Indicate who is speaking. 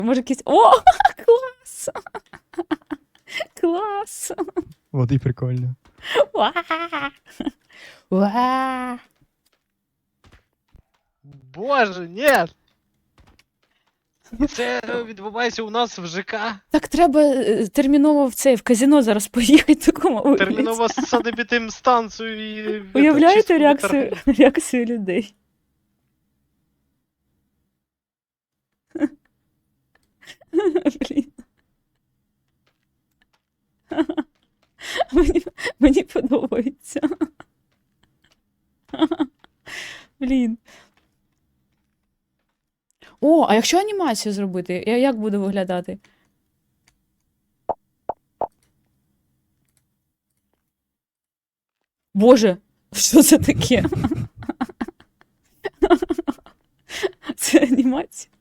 Speaker 1: Може якийсь... О, клас! Клас!
Speaker 2: Вот і прикольно.
Speaker 1: Уа! Уа!
Speaker 3: Боже, ні! І це відбувається у нас в ЖК.
Speaker 1: Так треба терміново в казино зараз поїхати такому вигляді.
Speaker 3: Терміново санепідемстанцію і...
Speaker 1: Уявляєте
Speaker 3: чистку
Speaker 1: реакцію людей? Блін. Мені подобається. Блін. О, а якщо анімацію зробити, як буде виглядати? Боже, що це таке? Це анімація?